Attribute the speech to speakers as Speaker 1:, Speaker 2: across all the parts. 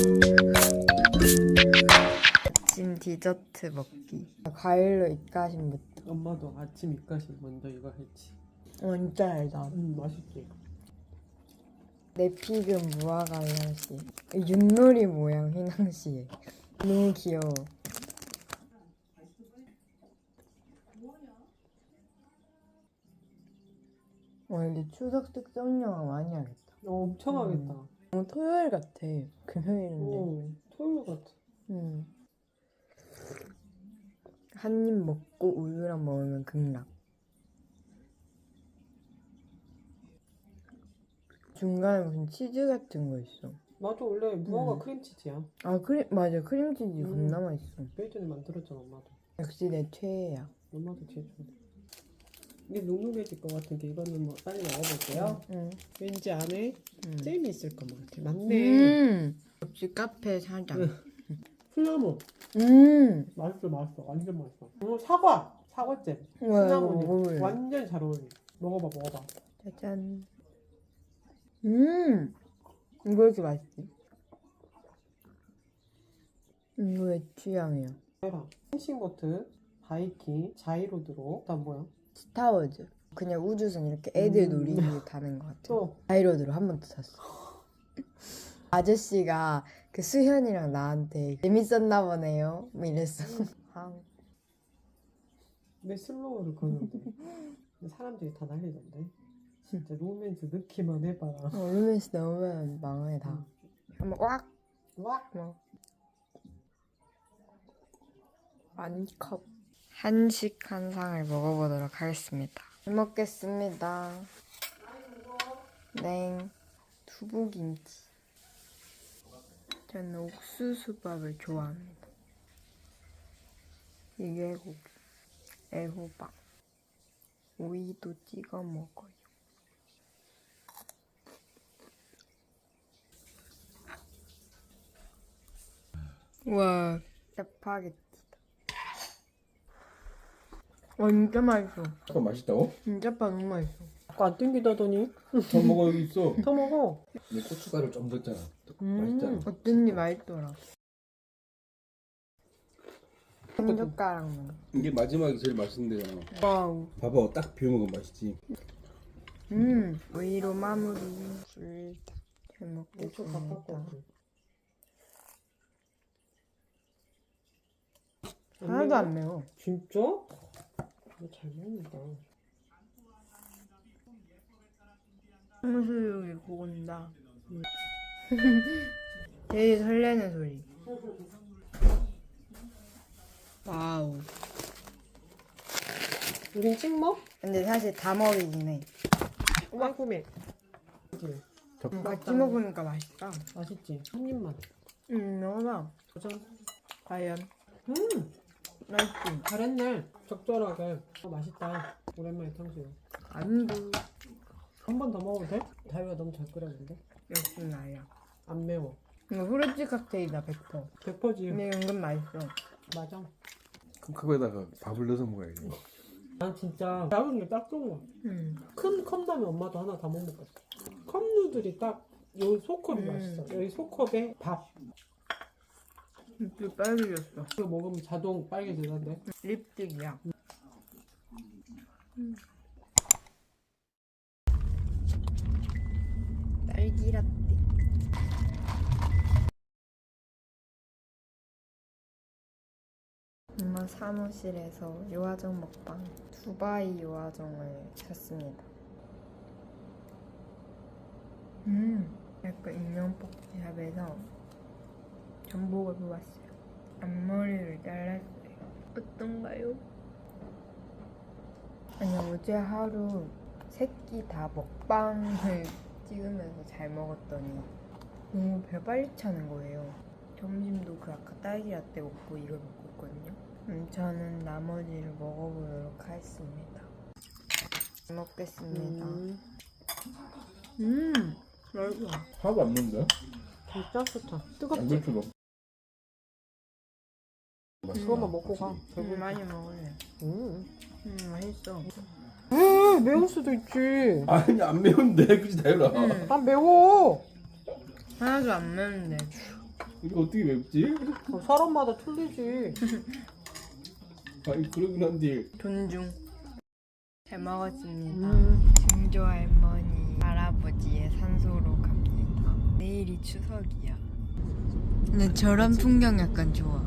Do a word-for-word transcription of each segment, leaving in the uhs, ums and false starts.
Speaker 1: 아침 디저트 먹기. 과일로 입가심부터.
Speaker 2: 엄마도 아침 입가심 먼저 이거 했지.
Speaker 1: 어, 진짜 달다.
Speaker 2: 음 맛있지.
Speaker 1: 내피금 무화과이랑씨. 윷놀이 모양 휘낭시에. 너무 귀여워. 와, 근데 추석 특성 영화 많이 하겠다.
Speaker 2: 어, 엄청
Speaker 1: 음.
Speaker 2: 하겠다.
Speaker 1: 어, 토요일 같아. 금요일인데.
Speaker 2: 오, 토요일 같아.
Speaker 1: 음. 한 입 먹고 우유랑 먹으면 극락. 중간에 무슨 치즈 같은 거 있어.
Speaker 2: 나도 원래 무화과
Speaker 1: 음.
Speaker 2: 크림치즈야.
Speaker 1: 아, 크림, 맞아. 크림치즈
Speaker 2: 음.
Speaker 1: 겁나 맛있어.
Speaker 2: 몇 전에 만들었잖아 엄마도.
Speaker 1: 역시 내 최애야.
Speaker 2: 엄마도 제일 좋아. 이게 눅눅해질 것 같은데 이거는 뭐 빨리 먹어볼게요.
Speaker 1: 응.
Speaker 2: 왠지 안에
Speaker 1: 음.
Speaker 2: 잼이 있을 것 같아. 맞네.
Speaker 1: 음. 역시 카페 사장.
Speaker 2: 시나몬.
Speaker 1: 음.
Speaker 2: 맛있어 맛있어. 완전 맛있어. 어, 사과. 사과잼.
Speaker 1: 와,
Speaker 2: 시나몬이
Speaker 1: 먹어볼래.
Speaker 2: 완전 잘 어울려. 먹어봐 먹어봐.
Speaker 1: 짜잔. 음. 이거 이렇게 맛있지? 이거 내 취향이야.
Speaker 2: 해봐. 펜싱보트, 바이킹, 자이로드로. 그다음 뭐야?
Speaker 1: 스타워즈. 그냥 우주선 이렇게 애들
Speaker 2: 음.
Speaker 1: 놀이기구 타는 것 같아.
Speaker 2: 또
Speaker 1: 자이로드로 한 번 더 탔어. 아저씨가 그 수현이랑 나한테 재밌었나 보네요. 뭐 이랬어. 아,
Speaker 2: 왜 슬로우를 거는데? 근데 사람들이 다 난리던데. 진짜 로맨스 넣기만 해봐라.
Speaker 1: 어, 루멘스 넣으면 망해 다. 한번 꽉.
Speaker 2: 와.
Speaker 1: 뭐. 한 컵. 한식 한 상을 먹어보도록 하겠습니다. 잘 먹겠습니다. 네. 두부김치. 저는 옥수수밥을 좋아합니다. 이게 고기, 애호박, 오이도 찍어 먹어요. 와, 짜파게티다. 와, 진짜 맛있어.
Speaker 3: 아까 맛있다고?
Speaker 1: 진짜 빠 너무 맛있어.
Speaker 2: 아까 안 땡기다더니
Speaker 3: 더 먹어 여기 있어.
Speaker 2: 더 먹어.
Speaker 3: 근데 고춧가루 좀 넣었잖아.
Speaker 2: 음.
Speaker 3: 맛있잖아.
Speaker 1: 어쩐지 맛있더라. 한 젓가락만.
Speaker 3: 이게 마지막이 제일 맛있는데요.
Speaker 1: 와우.
Speaker 3: 봐봐 딱 비워 먹으면 맛있지.
Speaker 1: 음, 오이로 마무리. 불다. 잘
Speaker 2: 엄청
Speaker 1: 먹겠습니다.
Speaker 2: 가깝고.
Speaker 1: 하나도 안 매워.
Speaker 2: 진짜? 너 잘 먹는다.
Speaker 1: 탕수육이 고운다. 제일 설레는 소리. 와우.
Speaker 2: 우린 찍먹?
Speaker 1: 근데 사실 다 먹이긴 해.
Speaker 2: 깔끔해. 그치?
Speaker 1: 음, 같이 먹으니까 맛있다.
Speaker 2: 맛있지? 한 입만.
Speaker 1: 음, 먹어봐.
Speaker 2: 도전.
Speaker 1: 과연
Speaker 2: 음,
Speaker 1: 맛있지?
Speaker 2: 잘했네. 적절하게. 어, 맛있다. 오랜만에 탕수육.
Speaker 1: 안도
Speaker 2: 한 번 더 먹어도 돼? 다이가 너무 잘 끓였는데?
Speaker 1: 역시 나야.
Speaker 2: 안 매워.
Speaker 1: 이거 후르츠 칵테일이다 백 퍼센트.
Speaker 2: 백 퍼센트지.
Speaker 1: 근데 은근 맛있어.
Speaker 2: 맞아.
Speaker 3: 그럼 그거에다가 밥을 넣어서 먹어야지.
Speaker 2: 난 진짜 작은 게 딱 좋은 거야.
Speaker 1: 음.
Speaker 2: 큰 컵라면 엄마도 하나 다 못 먹었어. 컵누들이 딱 여기 소컵이
Speaker 1: 음.
Speaker 2: 맛있어. 여기 소컵에 밥.
Speaker 1: 입이 빨개졌어.
Speaker 2: 이거 먹으면 자동 빨개지던데.
Speaker 1: 립스틱이야. 음. 딸기 라떼. 엄마 사무실에서 요아정 먹방 두바이 요아정을 샀습니다. 음, 약간 인형뽑기샵에서 전복을 뽑았어요. 앞머리를 잘랐어요. 어떤가요? 아니, 어제 하루 새끼 다 먹방을 찍으면서 잘 먹었더니 너무 배 빨리 차는 거예요. 점심도 그 아까 딸기 라떼 먹고 이걸 먹고 있거든요. 음, 저는 나머지를 먹어보도록 하겠습니다. 잘 먹겠습니다.
Speaker 2: 음,
Speaker 1: 음, 맛있어.
Speaker 3: 하나도 안 넣는데?
Speaker 2: 진짜 좋다.
Speaker 3: 안
Speaker 2: 뜨겁지?
Speaker 3: 넣을 줄 없.
Speaker 2: 그것만 먹고 가.
Speaker 1: 음, 많이 먹을래.
Speaker 2: 음.
Speaker 1: 음, 맛있어.
Speaker 2: 왜 매울 수도 있지.
Speaker 3: 아니 안 매운데 그지 다이라.
Speaker 1: 음,
Speaker 2: 난 매워.
Speaker 1: 하나도 안 매운데.
Speaker 3: 이거 어떻게 맵지?
Speaker 2: 어, 사람마다 틀리지.
Speaker 3: 아니 그러긴 한데
Speaker 1: 존중. 잘 먹었습니다.
Speaker 2: 음.
Speaker 1: 증조 할머니, 할아버지의 산소로 갑니다. 내일이 추석이야. 근데 저런 풍경 약간 좋아.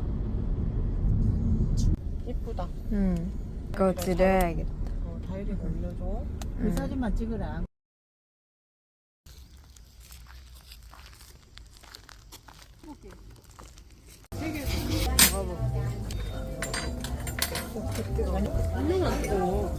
Speaker 2: 이쁘다.
Speaker 1: 응. 이거 드려야겠다.
Speaker 2: 어, 다이리가 올려줘.
Speaker 4: 그 사진만 찍으라.
Speaker 2: 한명안 뜨거.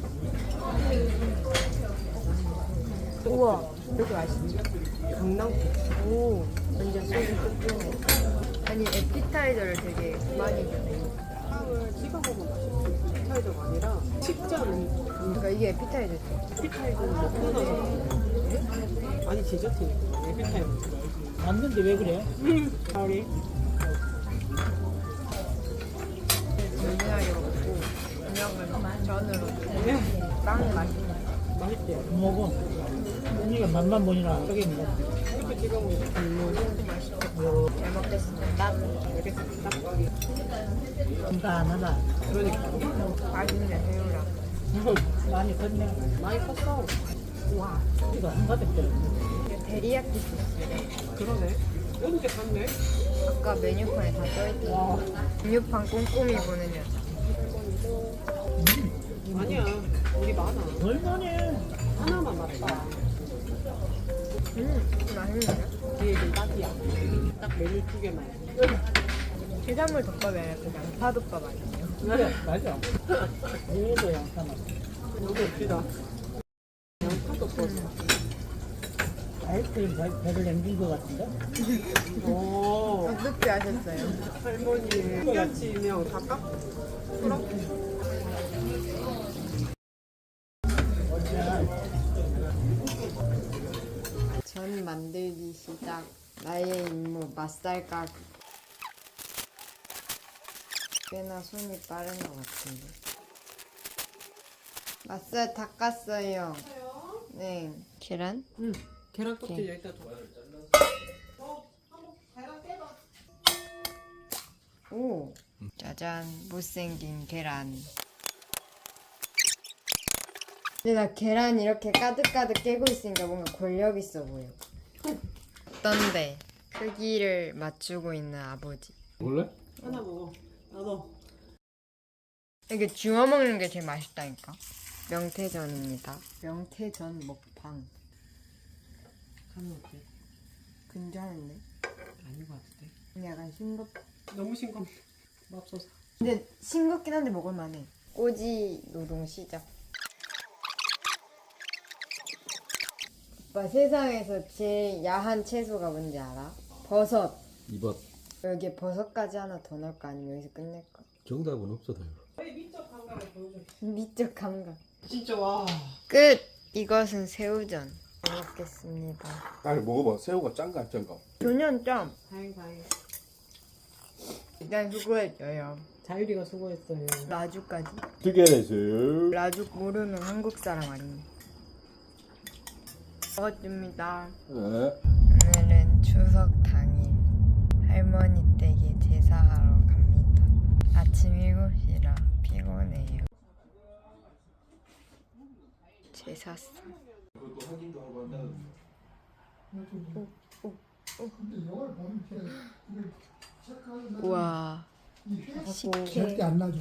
Speaker 1: 우와, 이렇게 맛있지?
Speaker 2: 강낭.
Speaker 1: 오, 완전 소주 뚝뚝해. 아니, 에피타이저를 되게 많이 주네.
Speaker 2: 빵을 찍어 먹으면 맛있지. 피타이저가 아니라 식자는
Speaker 1: 그러니까 이게 에피타이저지.
Speaker 2: 피타이저는 먹고 나서. 아니 디저트니까 에피타이저 먹어야지.
Speaker 4: 맞는데 왜 그래?
Speaker 2: 가을이.
Speaker 1: 진진하게 먹고, 그냥 전으로. 빵 맛있네.
Speaker 2: 맛있대.
Speaker 4: 먹어. 언니가 맛만 보니라 저게 뭐.
Speaker 2: 이렇게 찍어 먹으면
Speaker 1: 잘 먹겠습니다.
Speaker 2: 알겠습니다.
Speaker 4: 간단하다.
Speaker 2: 그러니까.
Speaker 1: 맛있네, 새우랑.
Speaker 4: 많이 컸네.
Speaker 2: 많이 컸어.
Speaker 1: 와,
Speaker 4: 이거 한 가득 들어.
Speaker 1: 이게 데리야끼 소스.
Speaker 2: 그러네. 이렇게 샀네.
Speaker 1: 아까 메뉴판에 다 써있던
Speaker 4: 와.
Speaker 1: 메뉴판 꼼꼼히 보는 여자.
Speaker 2: 아니야. 우리 많아.
Speaker 4: 얼마네.
Speaker 2: 하나만 맞다.
Speaker 1: 음, 맛있네.
Speaker 2: 뒤에는 딱이야. 딱 메뉴 두 개만.
Speaker 1: 해산물 덮밥이 아니라 그 양파덮밥 아니에요?
Speaker 4: 그래, 맞아. 얘도 양파만.
Speaker 2: 여기 없지다. 양파도 써.
Speaker 4: 아이스크림 배- 배를 남긴 것 같은데?
Speaker 2: 오.
Speaker 1: 어떻게 하셨어요?
Speaker 2: 할머니 같이 그냥 다 깎. 그럼
Speaker 1: 전 만들기 시작. 나의 임무 맛살 가기. 꽤나 손이 빠른 것 같은데. 맛살 다 깠어요. 네. 계란?
Speaker 2: 응. 계란 껍질 여기다 줘.
Speaker 1: 오. 짜잔. 못생긴 계란. 근데 나 계란 이렇게 가득가득 깨고 있으니까 뭔가 권력 있어 보여. 어떤데? 크기를 맞추고 있는 아버지.
Speaker 3: 원래?
Speaker 2: 하나 먹어. 나도.
Speaker 1: 이게 주워 먹는 게 제일 맛있다니까. 명태전입니다. 명태전 먹방.
Speaker 2: 간은 어때?
Speaker 1: 근자한데?
Speaker 2: 아닌 것 같은데.
Speaker 1: 근데 약간 싱겁.
Speaker 2: 너무 싱겁. 맙소사.
Speaker 1: 근데 싱겁긴 한데 먹을만해. 꼬지 노동 시작. 오빠 세상에서 제일 야한 채소가 뭔지 알아? 버섯.
Speaker 3: 이번
Speaker 1: 여기에 버섯까지 하나 더 넣을까 아니면 여기서 끝낼까?
Speaker 3: 정답은 없어 다요.
Speaker 2: 미적 감각을 보여줘.
Speaker 1: 미적 감각.
Speaker 2: 진짜 와.
Speaker 1: 끝! 이것은 새우전. 잘 먹겠습니다.
Speaker 3: 아 먹어봐. 새우가 짠가 안 짠가?
Speaker 1: 조년 점.
Speaker 2: 다행 다행.
Speaker 1: 일단 수고했어요.
Speaker 2: 자유리가 수고했어요.
Speaker 1: 라주까지.
Speaker 3: 뜨개내세요.
Speaker 1: 라주 모르는 한국 사람 아니니. 먹었습니다.
Speaker 3: 네.
Speaker 1: 오늘은 추석 당일 할머니 댁에 제사하러 갑니다. 아침 일곱 시라 피곤해요. 제사상. 우와. 식혜.
Speaker 5: 안 나죠.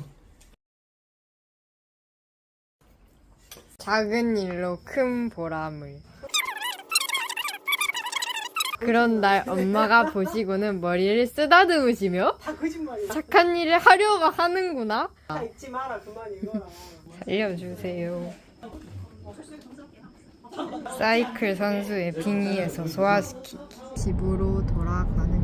Speaker 1: 작은 일로 큰 보람을. 그런 날 엄마가 보시고는 머리를 쓰다듬으시며
Speaker 2: 다 거짓말이야.
Speaker 1: 착한 일을 하려고 하는구나.
Speaker 2: 다 잊지 마라. 그만 읽어라.
Speaker 1: 살려주세요. 사이클 선수의 빙의에서 소화시키기. 집으로 돌아가는